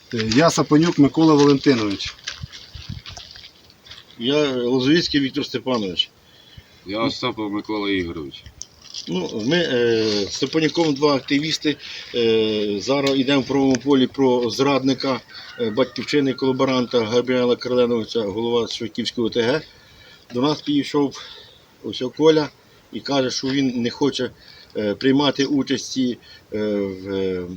Я Сапонюк Микола Валентинович. Я Лозовицький Віктор Степанович. Я Остапов Микола Ігорович. Ми з Степанюком два активісти. Зараз йдемо в правовому полі про зрадника батьківщини колаборанта Габріела Карленовича, голова Швидківського ОТГ. До нас підійшов ось Коля і каже, що він не хоче приймати участі в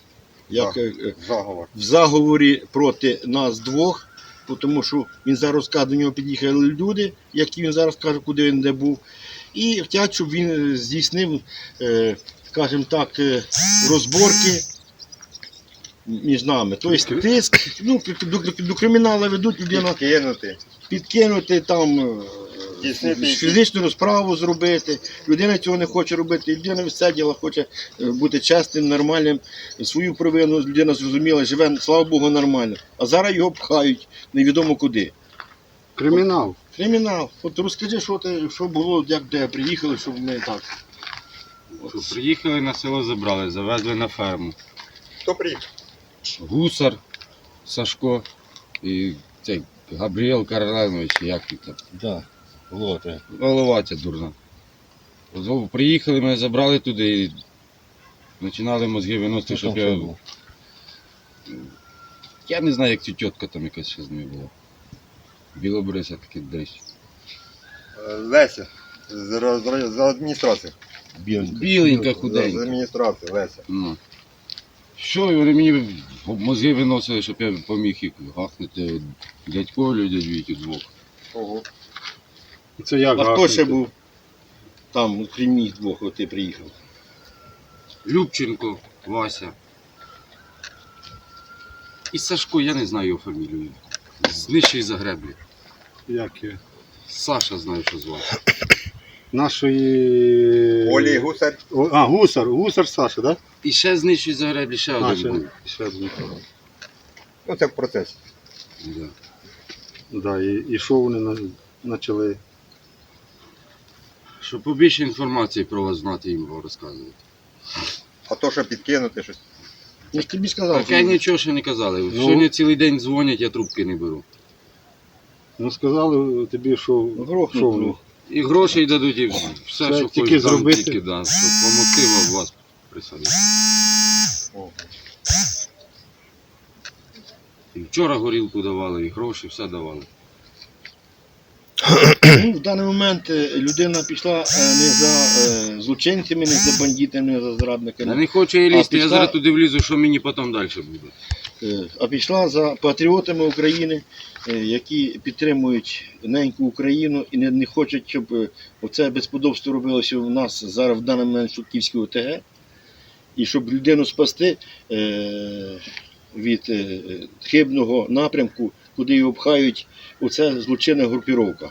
заговорі проти нас двох, тому що він зараз каже, до нього під'їхали люди, які він зараз каже, куди він де був. І хочуть, щоб він здійснив, скажімо так, розборки між нами. Тобто тиск, до криміналу ведуть людину, підкинути там, фізичну розправу зробити. Людина цього не хоче робити, людина все діло хоче бути чесним, нормальним, свою провину людина зрозуміла, живе, слава Богу, нормально. А зараз його пхають невідомо куди. Кримінал. Кримінал. От розкажи, що було, як де приїхали, щоб ми так. Приїхали на село, забрали, завезли на ферму. Хто приїхав? Гусар Сашко і цей Габріел Карленович, як він там. Так, Голова ця дурна. Приїхали, ми забрали туди і починали мозги виносити, щоб я... Я не знаю, як ця тітка там якась ще з нею була. Білобриса такий дрищ. Леся, з адміністрації. Біленька, худенька. З адміністрації, Леся. Ну. Що, і вони мені мозги виносили, щоб я поміг їх гахнути дядько, дядь Вітю двох. Ого. Це як А хто гахнути? ще був там, крім них двох, от ти приїхав? Любченко, Вася. І Сашко, я не знаю його фамілію. З нижчої Загреблі. Як є? Саша знаю, що звати. Нашої... Олі Гусар. Гусар Саша, так? І ще з нижчої Загреблі ще один був. Ще один. Ну це в процесі. Да. Да, і що вони почали? Щоб побільше інформації про вас знати, їм розказувати. А то, що підкинути щось. Я ж тобі сказав. Так я нічого ще не казали. Сьогодні цілий день дзвонять, я трубки не беру. Ну сказали тобі, що Грохнуть, в них. І грошей дадуть, і все, Все, що тільки хочеш, зробити. тільки, да, щоб помогти вас присадити. І вчора горілку давали, і гроші, все давали. В даний момент людина пішла не за злочинцями, не за бандитами, не за Я зрадниками, не хочу і лізти, я пішла- зараз туди влізу, що мені потім далі буде. а пішла за патріотами України, які підтримують неньку Україну і не хочуть, щоб оце безподобство робилося у нас зараз в даний момент в Швидківській ОТГ, і щоб людину спасти від хибного напрямку, куди його пхають, оце злочинна групіровка.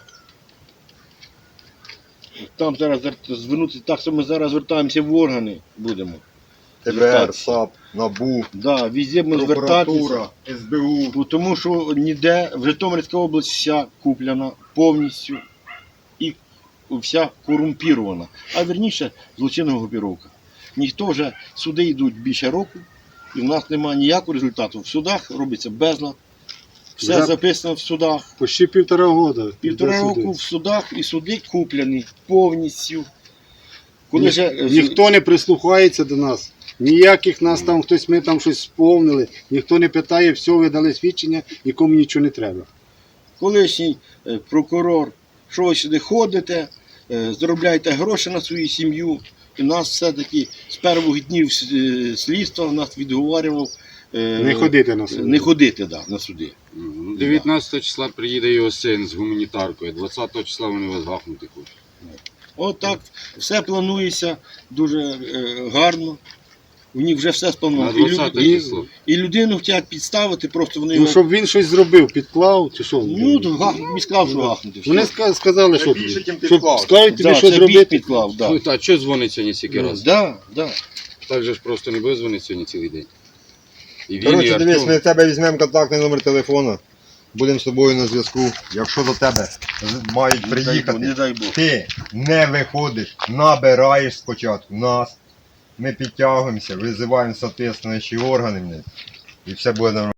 Там зараз звернутися, так що ми зараз звертаємося в органи будемо. ТБР, САП, НАБУ, Да, везде ми звертатися. прокуратура, СБУ. Тому що ніде в Житомирській області вся куплена повністю і вся корумпірована. А верніше злочинна групіровка. Ніхто вже, суди йдуть більше року, і в нас немає ніякого результату. В судах робиться безлад, все Вже записано в судах. Почти 1,5 року. Півтора року в судах і суди куплені повністю. Коли Ніхто не прислухається до нас. Ніяких нас там хтось, ми там щось сповнили. Ніхто не питає, все, ви дали свідчення, нікому нічого не треба. колишній прокурор, що ви сюди ходите, заробляєте гроші на свою сім'ю. І нас все-таки з перших днів слідства нас відговорював Не ходити на суди. Не ходити, да, на суди. 19 числа приїде його син з гуманітаркою, 20 числа вони вас гахнути хочуть. От так все планується дуже гарно. У них вже все На сплановано. 20 число. І людину хочуть підставити, просто вони Ну, його... щоб він щось зробив, підклав, чи що? Ну, мені сказав, що гахнути. Вони сказали, Це що більше, чим щоб підклав. скажуть тобі, Да, що це зробити. бік підклав, да. А що дзвонить сьогодні стільки разів? Да, да. Так же ж просто не буде дзвонити сьогодні цілий день. І він, і Коротше, дивись, Артем. ми в тебе візьмемо контактний номер телефону, будемо з тобою на зв'язку. Якщо до тебе мають Не приїхати, дай Бог. ти не виходиш, набираєш спочатку нас, ми підтягуємося, визиваємо соответствуючі органи, і все буде нормально.